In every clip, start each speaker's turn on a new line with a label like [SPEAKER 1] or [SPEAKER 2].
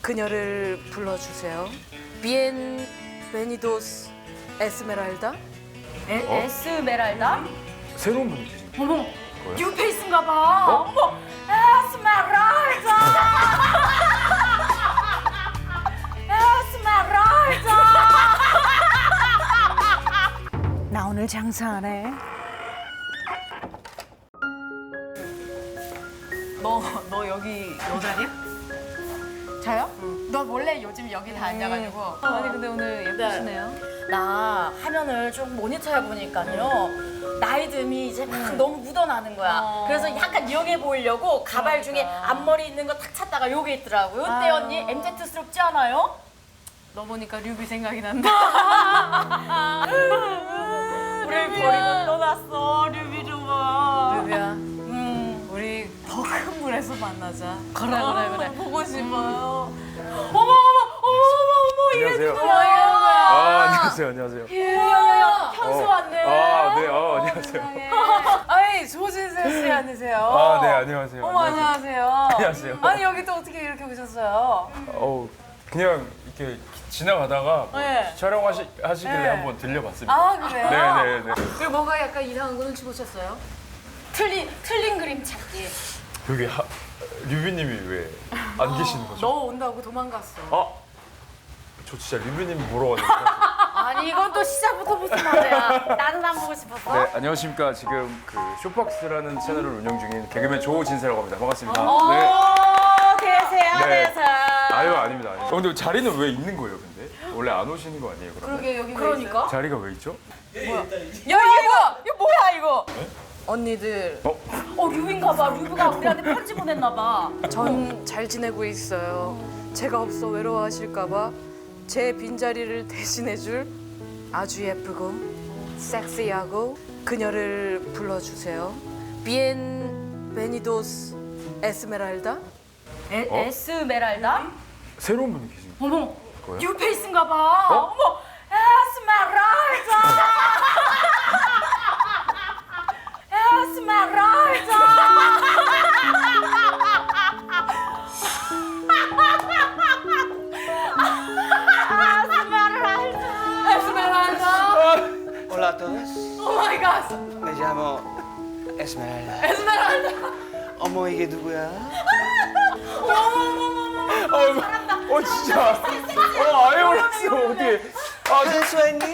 [SPEAKER 1] 그녀를 불러주세요. 비엔 베니도스 에스메랄다.
[SPEAKER 2] 에스메랄다?
[SPEAKER 3] 새로운 분이 계신 거예요?
[SPEAKER 2] 어머,
[SPEAKER 3] 뭐야?
[SPEAKER 2] 뉴페이스인가 봐. 어머, 에스메랄다. 에스메랄다. 나 오늘 장사하네. 너 여기 여자냐?
[SPEAKER 4] 저요? 너 원래 요즘 여기 다 앉아가지고.
[SPEAKER 2] 아니 근데 오늘 예쁘시네요.
[SPEAKER 5] 나 화면을 좀 모니터 해보니까요. 나이듦이 이제 막 너무 묻어나는 거야. 그래서 약간 영해 보이려고 가발 중에 앞머리 있는 거 탁 찾다가 요게 있더라고요. 어때 언니? MZ스럽지 않아요?
[SPEAKER 2] 너 보니까 류비 생각이 난다.
[SPEAKER 5] 우리 버리고 떠났어. 류비 좀 봐.
[SPEAKER 2] 류비야, 우리 더 큰 물에서 만나자. 그래. 보고 싶어요.
[SPEAKER 3] 안녕하세요.
[SPEAKER 2] 뭐야?
[SPEAKER 3] 안녕하세요.
[SPEAKER 5] 야야야 현수 왔네.
[SPEAKER 3] 네, 안녕하세요.
[SPEAKER 2] 아니 조진세 씨 아니세요?
[SPEAKER 3] 네, 안녕하세요.
[SPEAKER 2] 어머 안녕하세요.
[SPEAKER 3] 안녕하세요.
[SPEAKER 2] 아니 여기 또 어떻게 이렇게 오셨어요?
[SPEAKER 3] 그냥 이렇게 지나가다가 뭐
[SPEAKER 2] 네.
[SPEAKER 3] 촬영하시길래
[SPEAKER 2] 네.
[SPEAKER 3] 한번 들려봤습니다.
[SPEAKER 2] 아 그래요?
[SPEAKER 3] 네네네.
[SPEAKER 2] 그리고 뭔가 약간 이상한 거 눈치 보셨어요?
[SPEAKER 5] 틀린 그림 찾기.
[SPEAKER 3] 여기 류비님이 왜 안 계시는 거죠?
[SPEAKER 2] 너 온다고 도망갔어.
[SPEAKER 3] 저 진짜 류비님 보러 왔는데.
[SPEAKER 5] 아니 이건 또 시작부터 무슨 말이야. 나는 안 보고 싶었어.
[SPEAKER 3] 네, 안녕하십니까. 지금 그 쇼박스라는 채널을 운영 중인 개그맨 조진세라고 합니다. 반갑습니다.
[SPEAKER 5] 대세야
[SPEAKER 3] 네.
[SPEAKER 5] 대세.
[SPEAKER 3] 아닙니다. 근데 자리는 왜 있는 거예요, 근데? 원래 안 오시는 거 아니에요, 그러면?
[SPEAKER 2] 그러게 여기
[SPEAKER 5] 그러니까.
[SPEAKER 3] 자리가 왜 있죠?
[SPEAKER 2] 이거 뭐야 이거?
[SPEAKER 1] 언니들,
[SPEAKER 5] 류빈가 봐. 류비가 우리한테 편지 보냈나 봐.
[SPEAKER 1] 전 잘 지내고 있어요. 제가 없어 외로워하실까봐 제 빈자리를 대신해줄 아주 예쁘고 섹시하고 그녀를 불러주세요. 비엔 베니도스 에스메랄다.
[SPEAKER 5] 에스메랄다?
[SPEAKER 3] 새로운 분이 계신
[SPEAKER 5] 어머,
[SPEAKER 3] 거예요?
[SPEAKER 5] 뉴페이스인가 봐. 어머, 에스메랄다. 에스메랄다.
[SPEAKER 6] Hola a todos.
[SPEAKER 5] Oh my god.
[SPEAKER 6] Me llamo Esmeralda. 어머 이게 누구야?
[SPEAKER 3] 진짜. 아예 몰랐어. 어떻게?
[SPEAKER 6] 현수했니?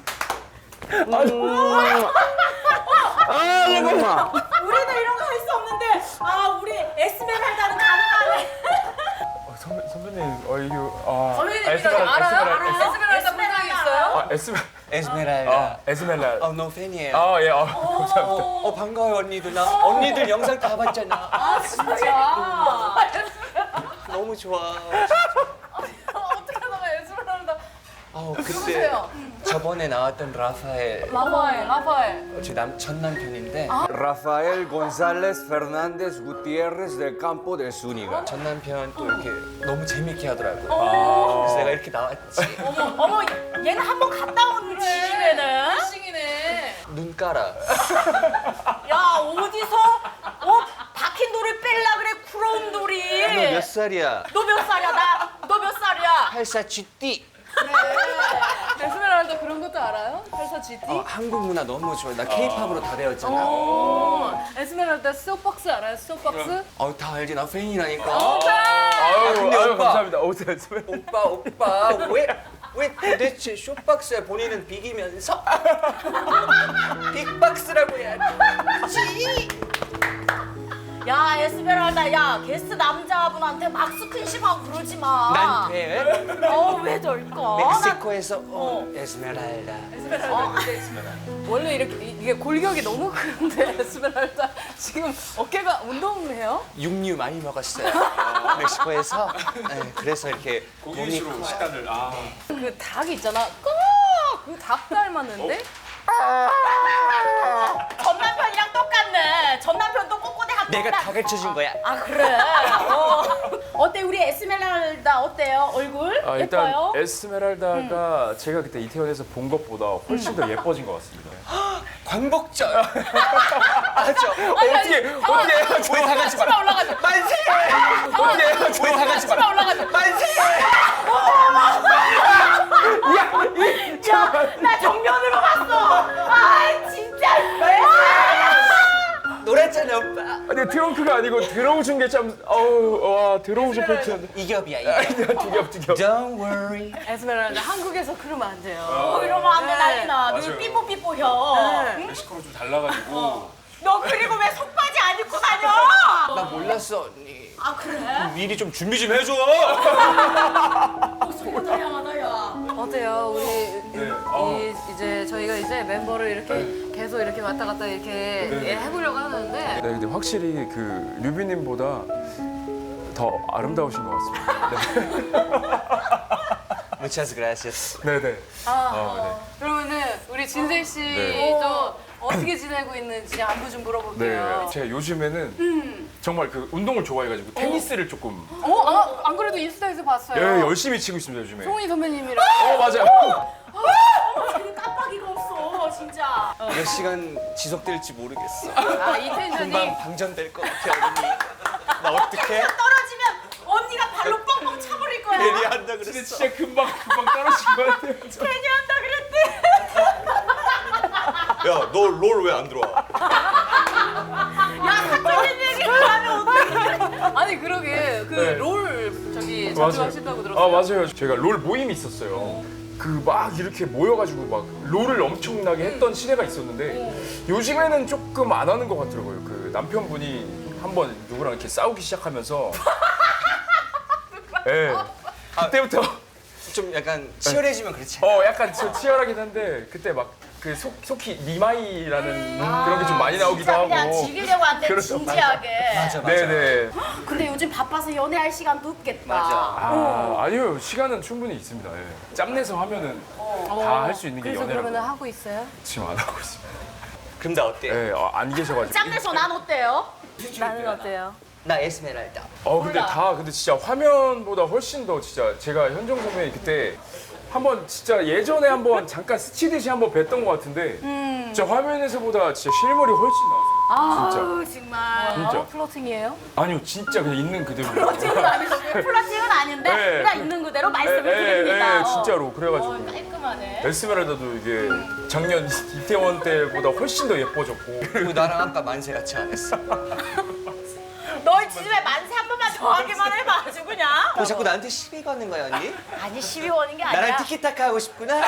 [SPEAKER 6] 잠깐만.
[SPEAKER 5] 우리는 이런 거 할 수 없는데, 우리 에스메랄다는 가능하네.
[SPEAKER 3] 선배님,
[SPEAKER 2] 선배님 이거 알아요? 에스메랄다 분장이 있어요?
[SPEAKER 6] 에스메랄다.
[SPEAKER 3] 에스멜라.
[SPEAKER 6] 너 팬이에요.
[SPEAKER 3] 예, 감사합니다.
[SPEAKER 6] 반가워요 언니들. 나 언니들 영상 다 봤잖아.
[SPEAKER 2] 진짜.
[SPEAKER 6] 너무 좋아.
[SPEAKER 2] 어떻게 하다가 에스메랄다.
[SPEAKER 6] 그때
[SPEAKER 2] 누구세요?
[SPEAKER 6] 저번에 나왔던 라파엘.
[SPEAKER 2] 라파엘.
[SPEAKER 6] 제 전 남편인데. Rafael González Fernández Gutiérrez del Campo del Zúñiga. 전 남편 또 이렇게 너무 재밌게 하더라고요. 그래서 내가 이렇게 나왔지.
[SPEAKER 5] 어머, 얘는 한 번 갔다 온 지심에는.
[SPEAKER 2] 싱이네.
[SPEAKER 6] 눈 깔아.
[SPEAKER 5] 야, 어디서 박힌 돌을 뺄라 그래, 부러운 돌이.
[SPEAKER 6] 너 몇 살이야?
[SPEAKER 5] 너 몇 살이야? 너 몇 살이야?
[SPEAKER 6] 84 GT.
[SPEAKER 2] 에스메랄다 그런 것도 알아요? 84 GT?
[SPEAKER 6] 한국 문화 너무 좋아. 나 K-팝으로 다 배웠잖아.
[SPEAKER 2] 에스메랄다 소박스 알아요? 소박스?
[SPEAKER 6] 다 알지. 나 팬이라니까.
[SPEAKER 3] 아유,
[SPEAKER 6] 오빠.
[SPEAKER 3] 감사합니다. 오세요, 에스멜라.
[SPEAKER 6] 오빠 왜 도대체 쇼박스에 본인은 비기면서 빅박스라고 해야지.
[SPEAKER 5] 야, 에스메랄다, 야, 게스트 남자분한테 막 스킨십하고 그러지 마.
[SPEAKER 6] 난 돼.
[SPEAKER 5] 왜 저럴까?
[SPEAKER 6] 멕시코에서 에스메랄다.
[SPEAKER 2] 원래 이게 골격이 너무 큰데 에스메랄다 지금 어깨가 운동해요?
[SPEAKER 6] 육류 많이 먹었어요. 멕시코에서. 네, 그래서 이렇게 몸이 커요.
[SPEAKER 3] 식단을.
[SPEAKER 2] 그 닭 있잖아. 그 닭 닮았는데?
[SPEAKER 5] 전 남편이랑 똑같네. 전 남편도 꼬꼬대 학교.
[SPEAKER 6] 내가 다 가르쳐준 거야.
[SPEAKER 5] 그래. 어때 우리 에스메랄다 어때요? 얼굴
[SPEAKER 3] 일단
[SPEAKER 5] 예뻐요?
[SPEAKER 3] 에스메랄다가 제가 그때 이태원에서 본 것보다 훨씬 더 예뻐진 것 같습니다.
[SPEAKER 6] 광복절. 맞죠?
[SPEAKER 3] 어떻게
[SPEAKER 6] 우리 다 같이 봐.
[SPEAKER 5] 올라가자.
[SPEAKER 6] 만세! 우리 다 같이 봐.
[SPEAKER 5] 올라가자.
[SPEAKER 6] 만세!
[SPEAKER 3] 이게 참 와 들어오셔 팬티한데.
[SPEAKER 6] 이겹이야 이겹.
[SPEAKER 3] 두겹.
[SPEAKER 6] Don't worry.
[SPEAKER 2] 에스메랄다 한국에서 그러면 안 돼요.
[SPEAKER 5] 이러면 안 돼, 난리 나.
[SPEAKER 3] 맞아요.
[SPEAKER 5] 눈 삐뽀삐뽀 혀.
[SPEAKER 3] 멕시코로 좀 달라가지고.
[SPEAKER 5] 너 그리고 왜 속바지 안 입고 다녀?
[SPEAKER 6] 나 몰랐어 언니.
[SPEAKER 5] 아, 그래?
[SPEAKER 6] 미리 좀 준비 좀 해줘.
[SPEAKER 5] 속바지 향하다, 야.
[SPEAKER 2] 어때요? 우리
[SPEAKER 3] 네.
[SPEAKER 2] 이제 저희가 이제 멤버를 이렇게 계속 이렇게 왔다 갔다 이렇게 해보려고 하는데
[SPEAKER 3] 네, 근데 확실히 그 류비님보다 더 아름다우신 것 같습니다.
[SPEAKER 6] Muchas gracias.
[SPEAKER 3] 네, 네. 네.
[SPEAKER 2] 그러면은 우리 진세 씨도
[SPEAKER 3] 네.
[SPEAKER 2] 어떻게 지내고 있는지 안부 좀
[SPEAKER 3] 네,
[SPEAKER 2] 물어볼게요.
[SPEAKER 3] 제가 요즘에는 정말 그 운동을 좋아해가지고 테니스를 조금
[SPEAKER 2] 안 그래도 인스타에서 봤어요.
[SPEAKER 3] 예, 열심히 치고 있습니다 요즘에.
[SPEAKER 2] 송이 선배님이랑
[SPEAKER 3] 맞아요.
[SPEAKER 5] 쟤는 깜빡이가 없어, 진짜.
[SPEAKER 6] 몇 시간 지속될지 모르겠어.
[SPEAKER 2] 이 텐션이
[SPEAKER 6] 금방 방전될 것 같아 언니. 나 어떡해?
[SPEAKER 5] 떨어지면 언니가 발로 뻥뻥 차버릴 거야.
[SPEAKER 6] 괜히 한다
[SPEAKER 3] 근데
[SPEAKER 6] 그랬어.
[SPEAKER 3] 진짜 금방 떨어진 것 같아요.
[SPEAKER 5] 괜히 한다 그랬대.
[SPEAKER 6] 야, 너 롤 왜 안 들어와?
[SPEAKER 5] 야, 사적인 얘기를 하면 어떡해.
[SPEAKER 2] 아니 그러게 그
[SPEAKER 3] 네.
[SPEAKER 2] 롤 저기 자주 하신다고 들었어요.
[SPEAKER 3] 아 맞아요. 제가 롤 모임이 있었어요. 그 막 이렇게 모여가지고 막 롤을 엄청나게 했던 시대가 있었는데 요즘에는 조금 안 하는 것 같더라고요. 그 남편분이 한번 누구랑 이렇게 싸우기 시작하면서 예 그때부터
[SPEAKER 6] 좀 약간 치열해지면 그렇지.
[SPEAKER 3] 약간 좀 치열하긴 한데 그때 막 그 속히 니마이라는 그런 게 좀 많이 나오기도
[SPEAKER 5] 진짜
[SPEAKER 3] 하고
[SPEAKER 5] 그냥 즐기려고 한대,
[SPEAKER 3] 그렇죠.
[SPEAKER 5] 진지하게.
[SPEAKER 6] 맞아.
[SPEAKER 5] 네.
[SPEAKER 3] 네네.
[SPEAKER 5] 근데 요즘 바빠서 연애할 시간도 없겠다.
[SPEAKER 3] 아니요 시간은 충분히 있습니다. 예. 짬내서 하면은 다 할 수 있는 게
[SPEAKER 2] 그래서
[SPEAKER 3] 연애라고.
[SPEAKER 2] 그러면 하고 있어요?
[SPEAKER 3] 지금 안 하고 있습니다.
[SPEAKER 6] 그럼 나 어때?
[SPEAKER 3] 예, 안 계셔가지고.
[SPEAKER 5] 짬내서 난 어때요?
[SPEAKER 2] 나는 어때요?
[SPEAKER 6] 나 에스메랄다.
[SPEAKER 3] 근데 근데 진짜 화면보다 훨씬 더 진짜 제가 현정 선배님 그때 한번 진짜 예전에 한번 잠깐 스치듯이 한번 뵀던 것 같은데 진짜 화면에서보다 진짜 실물이 훨씬 나왔어요.
[SPEAKER 5] 아우, 정말.
[SPEAKER 3] 진짜.
[SPEAKER 2] 플러팅이에요?
[SPEAKER 3] 아니요, 진짜 그냥 있는 그대로.
[SPEAKER 5] 플러팅은 아닌데, 플러팅은 아닌데,
[SPEAKER 3] 네.
[SPEAKER 5] 그냥 있는 그대로 말씀을 드립니다.
[SPEAKER 3] 진짜로 그래가지고
[SPEAKER 5] 깔끔하네.
[SPEAKER 3] 에스메랄다도 이게 작년 이태원 때보다 훨씬 더 예뻐졌고.
[SPEAKER 6] 그리고 나랑 아까 만세 같이 안 했어.
[SPEAKER 5] 너희 집에 만세 한 번만 더 하기만 해봐, 아주 그냥.
[SPEAKER 6] 너 자꾸 나한테 시비 거는 거야 언니?
[SPEAKER 5] 아니, 12원인 게 아니라.
[SPEAKER 6] 나랑 티키타카 하고 싶구나?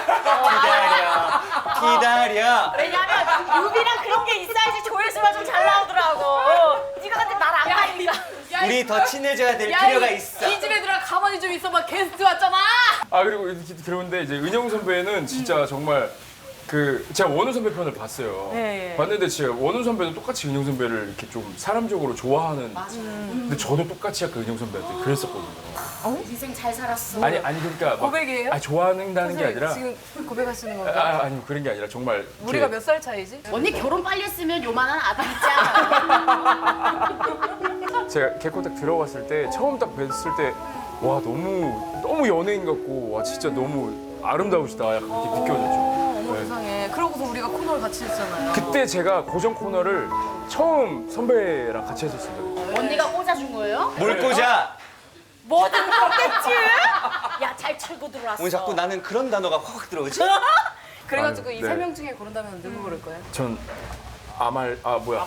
[SPEAKER 6] 기다려.
[SPEAKER 5] 왜냐면 유비랑 그런 게 있어야지 조회수가 좀 잘 나오더라고. 네가 근데 날 안 가니까.
[SPEAKER 6] 우리 더 친해져야 될 필요가 있어.
[SPEAKER 2] 이 집에 들어 가만히 좀 있어봐. 게스트 왔잖아.
[SPEAKER 3] 그리고 이렇게 그런데 이제 은영 선배는 진짜 정말 그 제가 원우 선배 편을 봤어요.
[SPEAKER 2] 네, 예.
[SPEAKER 3] 봤는데 진짜 원우 선배도 똑같이 은영 선배를 이렇게 좀 사람적으로 좋아하는. 근데 저도 똑같이 약간 은영 선배한테 그랬었거든요.
[SPEAKER 5] 인생 잘 살았어.
[SPEAKER 3] 아니 그러니까 막,
[SPEAKER 2] 고백이에요?
[SPEAKER 3] 좋아한다는 게 아니라.
[SPEAKER 2] 지금 고백하시는 건가요?
[SPEAKER 3] 아니 그런 게 아니라 정말
[SPEAKER 2] 우리가
[SPEAKER 3] 이렇게
[SPEAKER 2] 몇 살 차이지?
[SPEAKER 5] 언니 결혼 빨리 했으면 요만한 아들 있지 않아?
[SPEAKER 3] 제가 개코 딱 들어갔을 때 처음 딱 뵀을 때 와 너무 연예인 같고 와 진짜 너무 아름다우시다 약간 그렇게 느껴졌죠.
[SPEAKER 2] 어머
[SPEAKER 3] 네.
[SPEAKER 2] 세상에. 그러고서 우리가 코너를 같이 했잖아요.
[SPEAKER 3] 그때 제가 고정 코너를 처음 선배랑 같이 했었습니다.
[SPEAKER 5] 언니가 꽂아준 거예요?
[SPEAKER 6] 뭘 꽂아?
[SPEAKER 5] 뭐든 꽂겠지? 야, 잘 철고 들어왔어.
[SPEAKER 6] 오늘 자꾸 나는 그런 단어가 확 들어오지?
[SPEAKER 2] 그래가지고
[SPEAKER 3] 아유,
[SPEAKER 2] 이
[SPEAKER 3] 네.
[SPEAKER 2] 세 명 중에 고른다면 누구 고를 거예요?
[SPEAKER 3] 전 뭐야? 뭐였죠?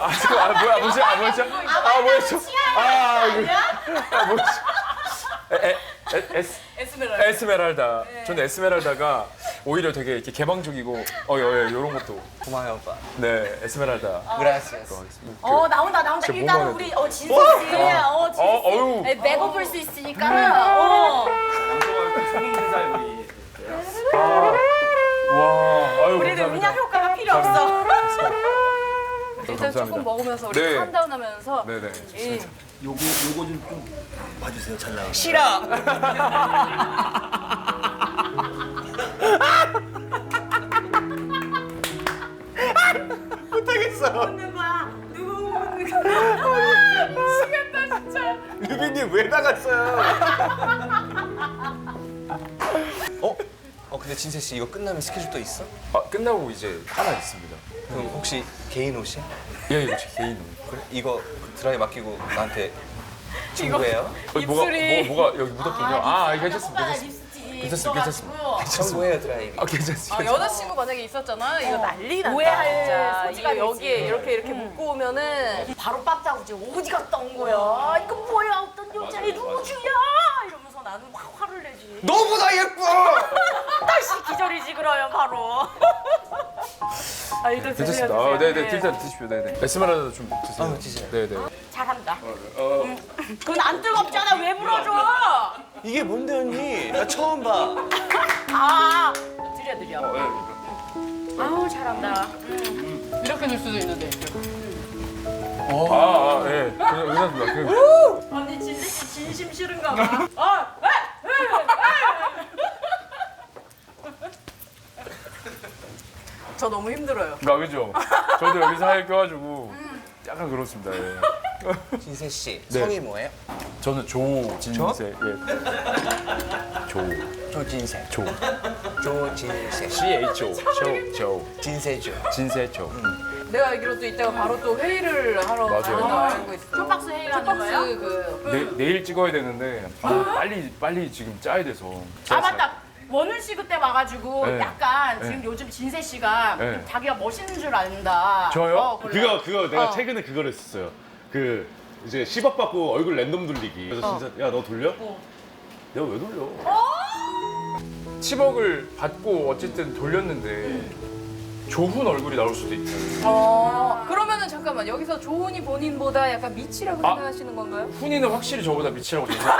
[SPEAKER 2] 에스메랄다.
[SPEAKER 3] 에스메랄다. 저는 에스메랄다가 오히려 되게 이렇게 개방적이고 이런 것도
[SPEAKER 6] 고마워요 오빠.
[SPEAKER 3] 네 에스메랄다.
[SPEAKER 6] 그라시아스.
[SPEAKER 5] 나온다.
[SPEAKER 3] 진짜
[SPEAKER 5] 일단은
[SPEAKER 3] 뭐만
[SPEAKER 5] 우리
[SPEAKER 3] 해도.
[SPEAKER 5] 진수 씨.
[SPEAKER 3] 어유.
[SPEAKER 5] 맥업을 수 있으니까는.
[SPEAKER 3] 와. 아유
[SPEAKER 5] 우리는
[SPEAKER 3] 감사합니다.
[SPEAKER 5] 음량 효과가 필요 없어.
[SPEAKER 2] 일단
[SPEAKER 3] 감사합니다.
[SPEAKER 2] 조금 먹으면서 우리
[SPEAKER 3] 네.
[SPEAKER 2] 캄다운하면서
[SPEAKER 3] 네네.
[SPEAKER 2] 이
[SPEAKER 7] 요거 좀 봐주세요. 잘 나와요.
[SPEAKER 6] 싫어. 못하겠어.
[SPEAKER 5] 웃는 거야. 누구 웃는 거야. 미치겠다 진짜.
[SPEAKER 6] 유빈님 왜 나갔어요? 근데 진세 씨 이거 끝나면 스케줄 또 있어?
[SPEAKER 3] 끝나고 이제 하나 있습니다.
[SPEAKER 6] 그럼 혹시 개인 옷이야?
[SPEAKER 3] 예, 이거 제 개인 옷.
[SPEAKER 6] 그래 이거 드라이 맡기고 나한테 친구예요?
[SPEAKER 3] 뭐가 여기 묻었군요. 괜찮습니다.
[SPEAKER 5] 오빠가
[SPEAKER 3] 괜찮습니다.
[SPEAKER 5] 립스틱. 있어가지고
[SPEAKER 6] 청구해요 드라이빙.
[SPEAKER 3] 아 괜찮습니다.
[SPEAKER 1] 여자친구 만약에 있었잖아. 이거 난리 난다.
[SPEAKER 5] 오해할
[SPEAKER 1] 진짜.
[SPEAKER 5] 소지가
[SPEAKER 1] 이거
[SPEAKER 5] 있지.
[SPEAKER 1] 여기에 이렇게 묶고 오면은
[SPEAKER 5] 바로 빡자고지 어디 갔다 온 거야? 이거 뭐야? 어떤 여자애 누구야? 이러면서 나는 확 화를 내지.
[SPEAKER 6] 너보다 예뻐.
[SPEAKER 5] 다시 기절이지 그러면 바로. 아 이거
[SPEAKER 3] 괜찮습니다. 아, 네네 일단 드십시오. 네네. 에스메랄다 좀 드세요.
[SPEAKER 6] 드세요.
[SPEAKER 3] 네네.
[SPEAKER 5] 잘한다. 그건 안 뜨겁잖아. 왜 물어줘?
[SPEAKER 7] 이게 뭔데 언니? 나 처음 봐.
[SPEAKER 5] 아 드려. 아우 잘한다.
[SPEAKER 1] 이렇게 줄 수도 있는데.
[SPEAKER 3] 예. 괜찮습니다.
[SPEAKER 5] 언니 진심 싫은가 봐.
[SPEAKER 1] 저 너무 힘들어요.
[SPEAKER 3] 아 그죠. 저도 여기 사이에 껴가지고 약간 그렇습니다. 예.
[SPEAKER 6] 진세 씨
[SPEAKER 3] 네.
[SPEAKER 6] 성이 뭐예요?
[SPEAKER 3] 저는 조진세. 예.
[SPEAKER 6] 조진세.
[SPEAKER 3] 조.
[SPEAKER 6] 조진세.
[SPEAKER 3] CHO. 조.
[SPEAKER 6] 진세죠.
[SPEAKER 3] 진세조.
[SPEAKER 1] 내가 알기로 또 이따가 바로 또 회의를 하러
[SPEAKER 3] 맞아요.
[SPEAKER 1] 가는 거 알고 있어.
[SPEAKER 5] 초박스 회의라는 거예요?
[SPEAKER 3] 내일 찍어야 되는데 빨리 지금 짜야 돼서.
[SPEAKER 5] 아 맞다. 원훈 씨 그때 와가지고
[SPEAKER 3] 네.
[SPEAKER 5] 약간
[SPEAKER 3] 네.
[SPEAKER 5] 지금 요즘 진세 씨가
[SPEAKER 3] 네.
[SPEAKER 5] 좀 자기가 멋있는 줄 안다.
[SPEAKER 3] 저요?
[SPEAKER 5] 그래.
[SPEAKER 8] 그거 내가 최근에 그걸 했었어요. 그 이제 10억 받고 얼굴 랜덤 돌리기. 그래서 진짜 야 너 돌려? 내가 왜 돌려?
[SPEAKER 3] 10억을 받고 어쨌든 돌렸는데 조훈 얼굴이 나올 수도 있고.
[SPEAKER 1] 그러면은 잠깐만 여기서 조은이 본인보다 약간 미치라고 생각하시는 건가요?
[SPEAKER 3] 훈이는 확실히 저보다 미치라고 생각해요.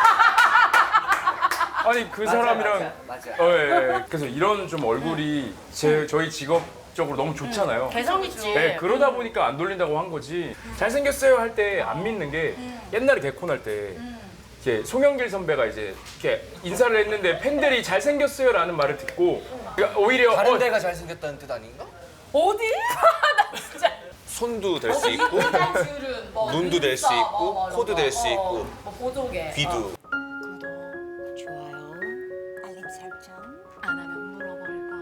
[SPEAKER 3] 아니 그 사람이랑
[SPEAKER 6] 맞아.
[SPEAKER 3] 예. 그래서 이런 좀 얼굴이 저희 직업적으로 너무 좋잖아요.
[SPEAKER 5] 개성 있지.
[SPEAKER 3] 네, 그러다 보니까 안 돌린다고 한 거지. 잘생겼어요 할 때 안 믿는 게 옛날에 개콘 할 때 이렇게 송영길 선배가 이제 이렇게 인사를 했는데 팬들이 잘생겼어요라는 말을 듣고 그러니까 오히려
[SPEAKER 6] 다른 데가 잘생겼다는 뜻 아닌가?
[SPEAKER 5] 어디? 나 진짜.
[SPEAKER 7] 손도 될 수 있고
[SPEAKER 5] 줄은 뭐
[SPEAKER 7] 눈도 될 수
[SPEAKER 5] 눈썹,
[SPEAKER 7] 있고,
[SPEAKER 5] 뭐 이런
[SPEAKER 7] 코도
[SPEAKER 5] 거.
[SPEAKER 7] 될 수 있고.
[SPEAKER 5] 뭐 보조개.
[SPEAKER 7] 귀도.
[SPEAKER 9] 좋아요. 알림 설정 안 하면 물어버릴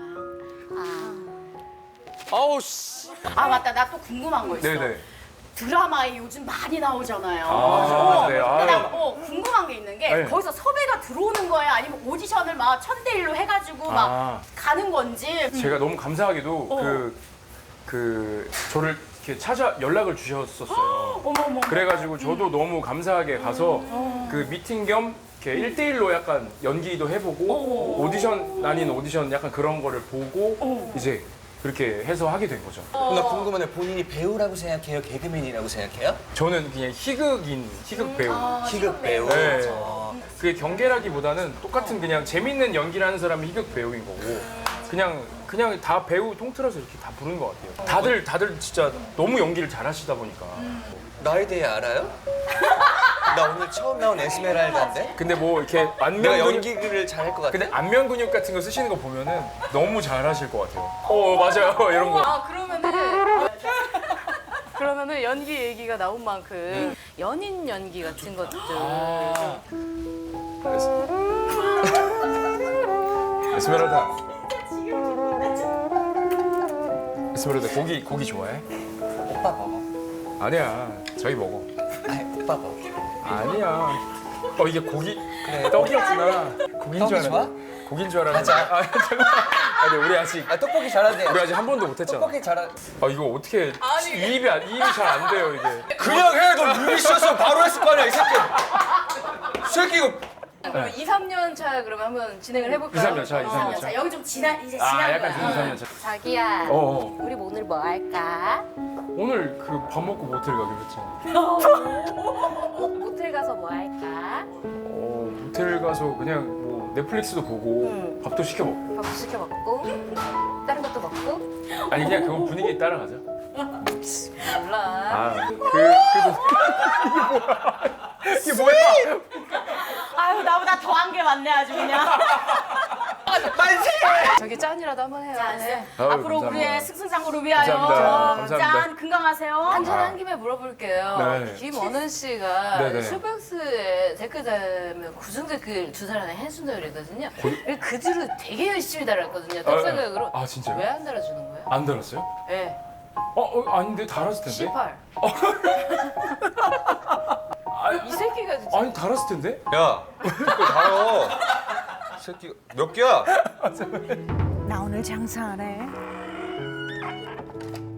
[SPEAKER 9] 거야.
[SPEAKER 6] 아우 씨.
[SPEAKER 5] 아 맞다. 나 또 궁금한 거 있어.
[SPEAKER 3] 네네.
[SPEAKER 5] 드라마에 요즘 많이 나오잖아요.
[SPEAKER 3] 아, 네.
[SPEAKER 5] 근데
[SPEAKER 3] 아,
[SPEAKER 5] 나 궁금한 게 있는 게
[SPEAKER 3] 네.
[SPEAKER 5] 거기서 섭외가 들어오는 거야? 아니면 오디션을 막 1000대1로 해가지고 막
[SPEAKER 3] 아.
[SPEAKER 5] 가는 건지.
[SPEAKER 3] 제가 너무 감사하게도 그 저를 이렇게 연락을 주셨었어요.
[SPEAKER 5] 어머머.
[SPEAKER 3] 그래가지고 저도 너무 감사하게 가서 그 미팅 겸 이렇게 1대1로 약간 연기도 해보고 오디션 아닌 오디션 약간 그런 거를 보고 이제 그렇게 해서 하게 된 거죠.
[SPEAKER 6] 나 궁금한데 본인이 배우라고 생각해요? 개그맨이라고 생각해요?
[SPEAKER 3] 저는 그냥 희극 배우.
[SPEAKER 6] 희극 배우.
[SPEAKER 3] 네. 그게 경계라기보다는 똑같은 그냥 재밌는 연기를 하는 사람이 희극 배우인 거고 그냥 다 배우 통틀어서 이렇게 다 부르는 것 같아요. 다들 진짜 너무 연기를 잘하시다 보니까.
[SPEAKER 6] 나에 대해 알아요? 나 오늘 처음 나온 에스메랄다인데?
[SPEAKER 3] 근데 뭐 이렇게
[SPEAKER 6] 내가
[SPEAKER 3] 안면
[SPEAKER 6] 연기를 잘할 것 같아.
[SPEAKER 3] 근데 안면 근육 같은 거 쓰시는 거 보면은 너무 잘하실 것 같아요. 맞아요 이런 거.
[SPEAKER 1] 아 그러면은 연기 얘기가 나온 만큼 연인 연기 같은 것들
[SPEAKER 3] 에스메랄다. 에스메랄다 고기 좋아해?
[SPEAKER 6] 오빠 먹어.
[SPEAKER 3] 아니야 저희 먹어.
[SPEAKER 6] 아니 오빠 먹어.
[SPEAKER 3] 아니야. 이게 고기
[SPEAKER 6] 그래.
[SPEAKER 3] 떡이었구나. 고기인 줄
[SPEAKER 6] 떡이
[SPEAKER 3] 알았는데. 고기인 줄 알았는데.
[SPEAKER 6] 가자.
[SPEAKER 3] 잠깐만. 아니 우리 아직
[SPEAKER 6] 아 떡볶이 잘하네.
[SPEAKER 3] 우리 아직 한 번도 못 했잖아.
[SPEAKER 6] 떡볶이 잘하.
[SPEAKER 3] 이거 어떻게 이입이 잘 안 돼요 이게.
[SPEAKER 6] 그냥 해. 너 루비 씨였으면 바로 했을 거 아니야 이 새끼. 이 새끼 이거.
[SPEAKER 1] 그럼 2, 3년 차 그러면 한번 진행을 해볼까요?
[SPEAKER 3] 2, 3년 차, 2, 3년 차.
[SPEAKER 5] 자, 여기 좀 이제 지난
[SPEAKER 3] 약간
[SPEAKER 5] 거야.
[SPEAKER 3] 2, 3년 차.
[SPEAKER 9] 자기야,
[SPEAKER 3] 어.
[SPEAKER 9] 우리 오늘 뭐 할까?
[SPEAKER 3] 오늘 그 밥 먹고 모텔 가기로 했잖아.
[SPEAKER 9] 모텔 가서 뭐 할까?
[SPEAKER 3] 모텔 가서 그냥 뭐 넷플릭스도 보고 밥도 시켜 먹고.
[SPEAKER 9] 밥 시켜 먹고 다른 것도 먹고.
[SPEAKER 3] 아니 그냥 그건 분위기에 따라가자.
[SPEAKER 1] 몰라.
[SPEAKER 3] 그래도 이게 뭐야?
[SPEAKER 5] 아유 나보다 더한 게 많네 아주 그냥.
[SPEAKER 1] 저기 짠이라도 한번 해요. 네.
[SPEAKER 3] 아유,
[SPEAKER 5] 앞으로
[SPEAKER 3] 감사합니다.
[SPEAKER 5] 우리의 승승장구를 위하여
[SPEAKER 3] 감사합니다. 감사합니다.
[SPEAKER 5] 짠 건강하세요.
[SPEAKER 1] 한잔한 김에 물어볼게요.
[SPEAKER 3] 네.
[SPEAKER 1] 김원은 씨가
[SPEAKER 3] 네네.
[SPEAKER 1] 슈박스에 댓글 달면 구중 댓글 두 사람의 한순돌이거든요. 그 뒤로 되게 열심히 달았거든요. 떡생각으로.
[SPEAKER 3] 아, 진짜요?
[SPEAKER 1] 왜 안 달아주는 거예요?
[SPEAKER 3] 안 달았어요?
[SPEAKER 1] 네.
[SPEAKER 3] 아닌데 달았을 텐데.
[SPEAKER 1] 18. 이 새끼가 진짜.
[SPEAKER 3] 아니 달았을 텐데.
[SPEAKER 6] 야, 그걸 달어. 새끼 몇 개야?
[SPEAKER 4] 나 오늘 장사 안 해.